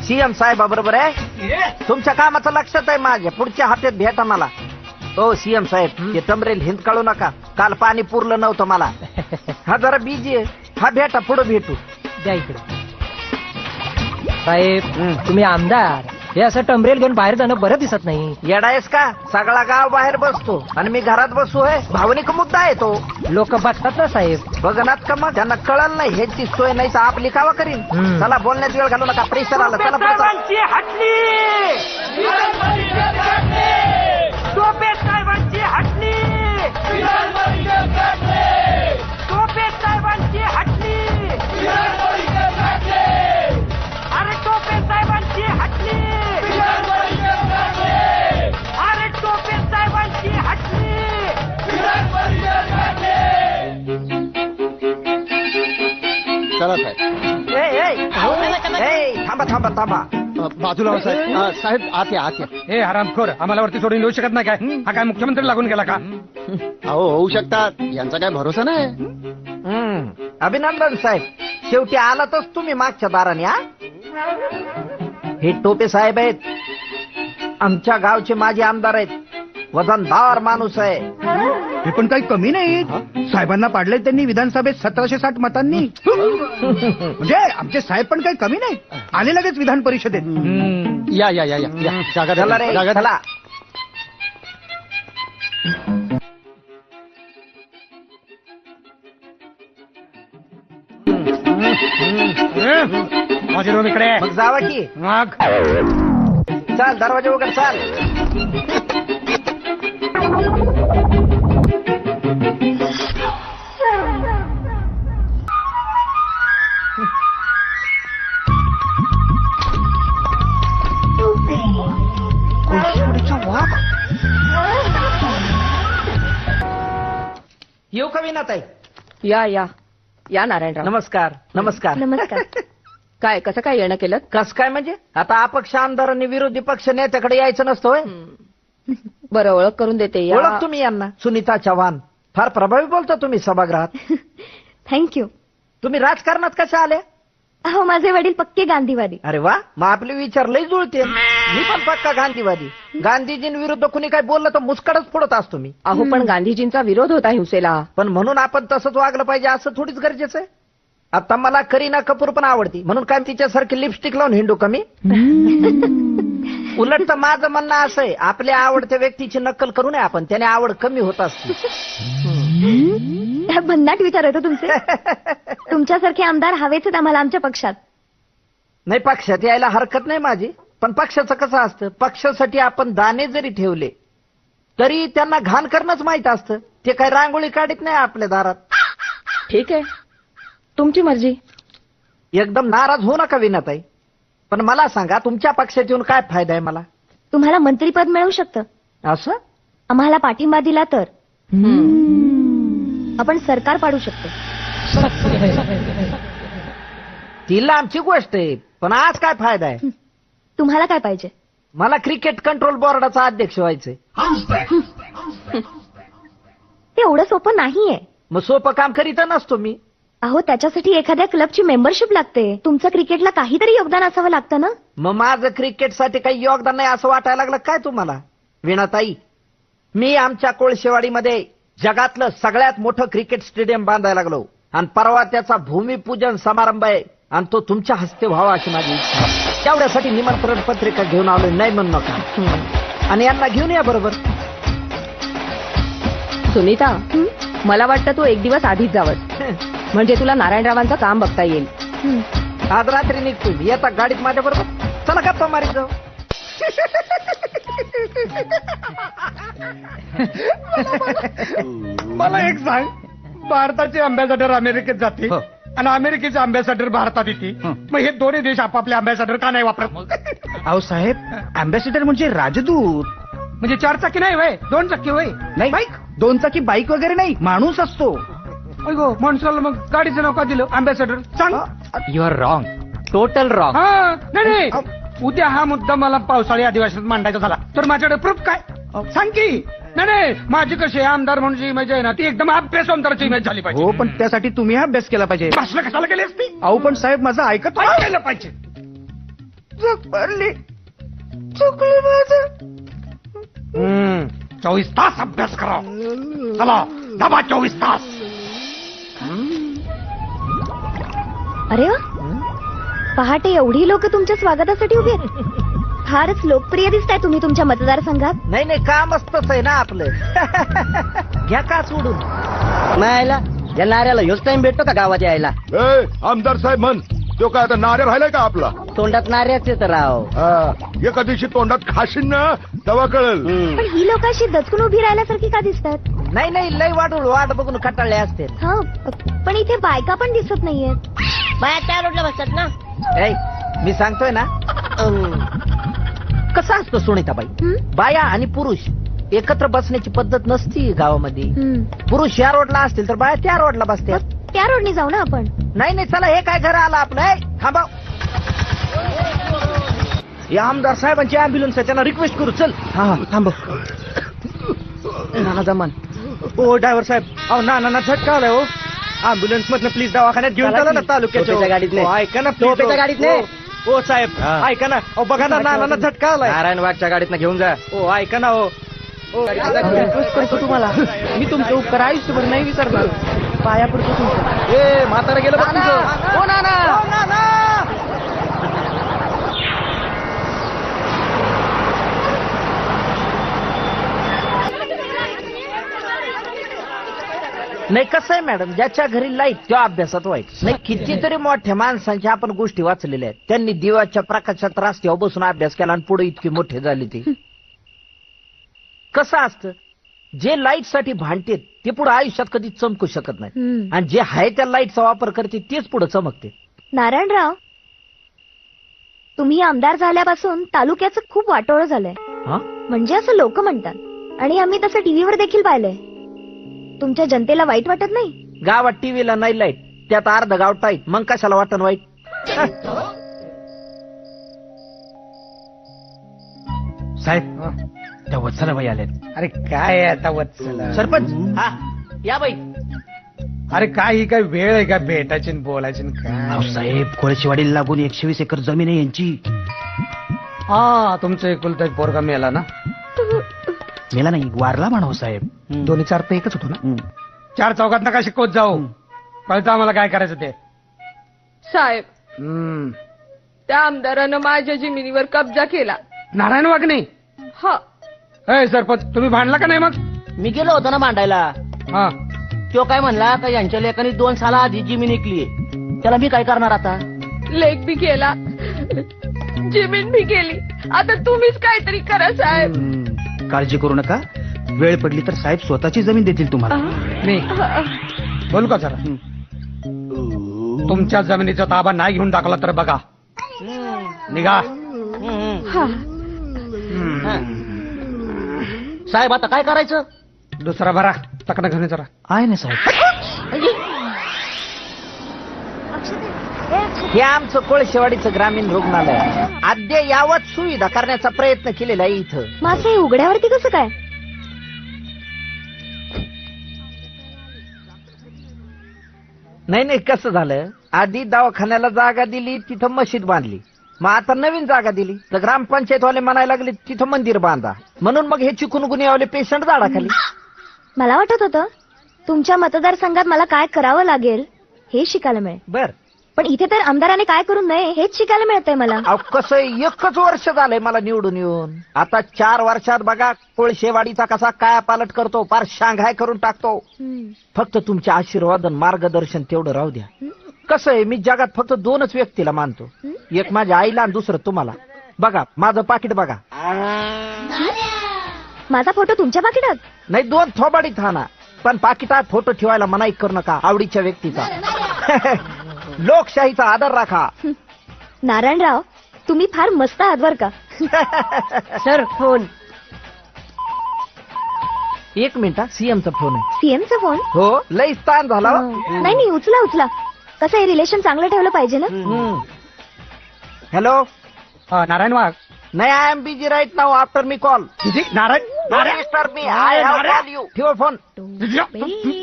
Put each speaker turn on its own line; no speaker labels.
CM साहेबाबरोबर आहे. तुमच्या कामाचं लक्षात आहे माझ्या. पुढच्या हप्त्यात भेटा मला. हो सीएम साहेब, ते टमरेल हिंद काढू नका. काल पाणी पुरलं नव्हतं मला. हा जरा बिजी आहे. हा भेटा, पुढे भेटू.
द्या इकडे. साहेब तुम्ही आमदार, हे असं टमरेल घेऊन बाहेर जाणं बरं दिसत नाही.
येडायस का? सगळा गाव बाहेर बसतो आणि मी घरात बसू आहे. भावनिक मुद्दा आहे तो.
लोक बघतात ना साहेब.
बघनात का मग? त्यांना कळलं नाही ह्याची सोय नाही तर आपली कावा करीन. चला बोलण्यात वेळ घालू नका. प्रेशर आलं. चला
चला साहेब.
थांबा थांबा थांबा.
बाजूला साहेब. साहेब आत या, आत या.
हे हरामखोर, आम्हाला वरती सोडून येऊ शकत नाही काय? हा काय मुख्यमंत्री लागून गेला का?
अहो होऊ शकतात, यांचा काय भरोसा नाही.
अभिनंदन साहेब, शेवटी आलातच तुम्ही मागच्या दाराने. हे टोपे साहेब आहेत, आमच्या गावचे माजी आमदार आहेत. वजनदार माणूस आहे.
हे पण काही कमी नाही. साहेबांना पाडले त्यांनी विधानसभेत 1760 मतांनी. म्हणजे आमचे साहेब पण काही कमी नाही. आले लगेच विधान परिषदेत.
या या या या या. जागा द्या,
चला रे,
जागा द्या.
चला.
माझे रूम इकडे.
मग जावा की.
मग
चाल, दरवाजा उघड. चाल. येऊ का विनाताई?
या या या नारायणराव.
नमस्कार. नमस्कार.
नमस्कार. काय कसं काय येणं केलं?
कस काय म्हणजे? आता अपक्ष आमदारांनी विरोधी पक्ष नेत्याकडे यायचं नसतं होय?
बरं, ओळख करून देते. या.
ओळख तुम्ही यांना. सुनीता चव्हाण. फार प्रभावी बोलता तुम्ही सभागृहात.
थँक्यू.
तुम्ही राजकारणात कशा आले?
अहो माझे वडील पक्के गांधीवादी.
अरे वा, मग आपले विचार लय जुळते. मी पण पक्का गांधीवादी. गांधीजींविरुद्ध कुणी काय बोललं तर मुस्कडच फोडत असतो मी.
अहो पण गांधीजींचा विरोध होता हिंसेला.
पण म्हणून आपण तसंच वागलं पाहिजे असं थोडीच गरजेचं आहे. आता मला करीना कपूर पण आवडती, म्हणून काय तिच्यासारखी लिपस्टिक लावून हिंडू कमी? उलट तर माझं म्हणणं असं आहे, आपल्या आवडत्या व्यक्तीची नक्कल करू नये आपण, त्याने आवड कमी होत असते.
भन्नाट विचार होतो तुमचे. तुमच्यासारखे आमदार हवेच आम्हाला आमच्या पक्षात.
नाही, पक्षात यायला हरकत नाही माझी, पण पक्षाचं कसं असतं, पक्षासाठी आपण दाणे जरी ठेवले तरी त्यांना घाण करणंच माहित असतं. ते काही रांगोळी काढत नाही आपल्या दारात.
ठीक आहे, तुमची मर्जी.
एकदम नाराज होऊ नका विनाताई, पण मला सांगा तुमच्या पक्षात येऊन काय फायदा आहे मला?
तुम्हाला मंत्रीपद मिळू शकतं.
असं?
आम्हाला पाठिंबा दिला तर आपण सरकार पाडू शकतो.
तिला आमची गोष्ट आहे, पण आज काय फायदा आहे?
तुम्हाला काय पाहिजे?
मला क्रिकेट कंट्रोल बोर्डाचा अध्यक्ष व्हायचंय.
ते एवढं सोपं नाहीये.
मग सोपं काम करीत नसतो मी.
अहो त्याच्यासाठी एखाद्या क्लबची मेंबरशिप लागते. तुमचं क्रिकेटला काहीतरी योगदान असावं लागतं ना.
मग माझं क्रिकेटसाठी काही योगदान नाही असं वाटायला लागलं काय तुम्हाला? वीणाताई, मी आमच्या कोळशेवाडीमध्ये जगातलं सगळ्यात मोठं क्रिकेट स्टेडियम बांधायला लागलो आणि परवा त्याचा भूमिपूजन समारंभ आहे आणि तो तुमच्या हस्ते व्हावा अशी माझी इच्छा. तेवढ्यासाठी निमंत्रण पत्रिका घेऊन आलोय, नाही म्हणू नका. आणि यांना घेऊन या बरोबर.
सुनीता, मला वाटतं तू एक दिवस आधीच जावंस, म्हणजे तुला नारायणरावांचं काम बघता येईल.
आज रात्री निघतो मी, येता गाडीत माझ्या बरोबर. चला गप्पा मारीत जाऊ.
मला एक सांग, भारताचे अँबॅसेडर अमेरिकेत जाते आणि अमेरिकेचे अँबॅसेडर भारतात येते, मग हे दोन्ही देश आपापले अँबॅसेडर का नाही वापरत?
अहो साहेब, अँबॅसेडर म्हणजे राजदूत.
म्हणजे 4 चाकी नाही वय, 2 चाकी वय.
नाही,
बाईक
2 चाकी बाईक वगैरे नाही, माणूस असतो.
गो माणसाला मग गाडीचं नाव का दिलं अँबॅसेडर? सांग.
You are wrong, total wrong.
हा नाही, उद्या हा मुद्दा मला पावसाळी अधिवेशनात मांडायचा झाला तर माझ्याकडे प्रूफ काय? सांग की. नाही, माझी कशी आमदार म्हणून इमेज आहे ना, ती एकदम अभ्यास आमदाराची इमेज झाली पाहिजे.
हो, पण त्यासाठी तुम्ही अभ्यास केला पाहिजे.
भाषण कशाला केली असती?
अहो पण साहेब माझं ऐकत
केलं पाहिजे.
झक मारली. चुकलं माझं.
24 तास अभ्यास करा. चला डबा 24 तास.
अरे वा, पहाटे एवढी लोक तुमच्या स्वागतासाठी उभी आहेत. फारच लोकप्रिय दिसताय तुम्ही तुमच्या मतदारसंघात.
नाही नाही, काम असतच आहे ना आपलं. घ्या का सोडून.
मायला या नाऱ्याला योच टाइम भेटतो का गावात यायला?
आमदार साहेब म्हण, तो काय आता नारे राहिलाय का आपला?
तोंडात नाऱ्याचे तर राव.
एका दिवशी तोंडात खाशीन ना तेव्हा कळेल.
पण ही लोक अशी दचकून उभी राहिल्यासारखी का दिसतात?
नाही नाही, लय वाट बघून कटाळले असते.
हा, पण इथे बायका पण दिसत नाहीयेत.
बाया त्या रोडला बसतात ना.
ऐ, मी सांगतोय ना, कसं असतं सुनीताबाई,
हं?
बाया आणि पुरुष एकत्र बसण्याची पद्धत नसती गावामध्ये.
हं.
पुरुष या रोडला असतील तर बाया त्या रोडला बसतात.
मग त्या रोडनी जाऊ ना आपण.
नाही नाही, चला हे काय घर आलं आपलं. ऐ, थांबा. या आमदार साहेबांची अँब्युलन्स आहे, त्यांना रिक्वेस्ट करू. चल.
हा थांब.
नाना जमान. ओ ड्रायव्हर साहेब, अहो नाना झटका आलाय. हो, अँब्युलन्स मधनं प्लीज दवाखान्यात घेऊन चला ना तालुक्याच्या.
टोपेच्या गाडीत नाही.
हो, ऐका ना
टोपेच्या
please.
गाडीत नाही.
हो साहेब, ऐका ना. अहो बघा ना, नाना झटका आलाय.
नारायण वाघच्या गाडीत घेऊन जा.
हो ऐका ना. हो रिक्वेस्ट करतो तुम्हाला, मी तुमचे उपकार आयुष्यभर नाही विसरणार. पाया पडतो तुमचं.
ए म्हातारा गेलं बघ तुझं.
हो नाना. नाही, कसं आहे मॅडम, ज्याच्या घरी लाईट त्या अभ्यासात वाईट. नाही, कितीतरी मोठ्या माणसांच्या आपण गोष्टी वाचलेल्या आहेत. त्यांनी दिवाच्या प्रकाशात रस्त्यावर बसून अभ्यास केला आणि पुढे इतकी मोठे झाले. ते कसं असतं, जे लाईट साठी भांडते ते पुढे आयुष्यात कधी चमकू शकत नाही.
हं.
आणि जे आहे त्या लाईटचा वापर करते तेच पुढे चमकते.
नारायणराव, तुम्ही आमदार झाल्यापासून तालुक्याचं खूप वाटोळं झालंय.
हा?
म्हणजे असं लोक म्हणतात, आणि आम्ही तसं टीव्हीवर देखील पाहिलंय. तुमच्या जनतेला वाईट वाटत नाही?
गावात टीव्हीला नाही लाईट, त्यात अर्ध गाव टाईट, मग कशाला वाटण वाईट?
साहेब, त्या वत्सलाबाई आल्यात.
अरे काय आता वत्सला.
सरपंच, हा या बाई.
अरे काय ही काय वेळ आहे का भेटायची आणि बोलायची आणि
अहो
काय?
साहेब, कोळशेवाडीला लागून 120 एकर जमीन आहे यांची.
हा, तुमचं एकुलता एक पोरगा मेला ना.
मेला नाही, वारला म्हणावं साहेब.
दोन्ही चार तर एकच होतो ना. चार चौकात नका शिकवत जाऊ. कळतं आम्हाला काय करायचं ते.
साहेब,
हम्म.
त्या आमदारानं माझ्या जमिनीवर कब्जा केला.
नारायण वागणे.
हा,
ए सरपंच, तुम्ही भांडला का नाही मग?
मी गेलो होतो ना मांडायला.
हा,
तो काय म्हणला का यांच्या लेखानी 2 साला आधी जमीन विकली. त्याला मी काय करणार आता?
लेख बी केला, जमीन बी केली. आता तुम्हीच काहीतरी करा साहेब.
काळजी करू नका, वेळ पडली तर साहेब स्वतःची जमीन देतील तुम्हाला.
मी बोलू का जरा? तुमच्या जमिनीचा ताबा नाही घेऊन टाकला तर बघा, निघा.
साहेब आता काय करायचं?
दुसरा भरा टकना घेऊन ये जरा.
आहे ना साहेब.
हे आमचं कोळशेवाडीचं ग्रामीण रुग्णालय आहे. अद्ययावत सुविधा करण्याचा प्रयत्न केलेला आहे इथं.
मग असं हे उघड्यावरती कसं काय?
नाही नाही, कसं झालं, आधी दवाखान्याला जागा दिली, तिथं मशीद बांधली. मग आता नवीन जागा दिली तर ग्रामपंचायतवाले म्हणायला लागले तिथं मंदिर बांधा. म्हणून मग हे चिकूनगुनियावाले पेशंट झाडाखाली.
मला वाटत होतं तुमच्या मतदारसंघात मला काय करावं लागेल हे शिकायला मिळेल.
बर,
पण इथे तर आमदाराने काय करू नये हेच शिकायला मिळतंय मला.
अहो कसं आहे, 1च वर्ष झालंय मला निवडून येऊन. आता 4 वर्षात बघा कोळशेवाडीचा कसा काय पालट करतो, फार शांघाय करून टाकतो. फक्त तुमचे आशीर्वाद आणि मार्गदर्शन तेवढं राहू द्या. कसं आहे, मी जगात फक्त 2च व्यक्तीला मानतो, एक माझ्या आईला आणि दुसरं तुम्हाला. बघा माझं पाकिट बघा.
माझा फोटो तुमच्या पाकिटात?
नाही, 2 थोबाडीत हाना, पण पाकिटात फोटो ठेवायला मनाई करू नका आवडीच्या व्यक्तीचा. लोकशाहीचा आदर राखा.
नारायणराव, तुम्ही फार मस्त आहात बर का.
Sir phone.
1 मिनिट, सीएमचा फोन आहे.
सीएमचा फोन?
हो, लई स्थान झाला. हो.
नाही नाही, उचला उचला. कसं हे रिलेशन चांगलं ठेवलं पाहिजे ना.
हॅलो.
नारायण वाघ.
नाही, I am busy right now after me call.
Narayan
mister me I have call you. ठेवा फोन.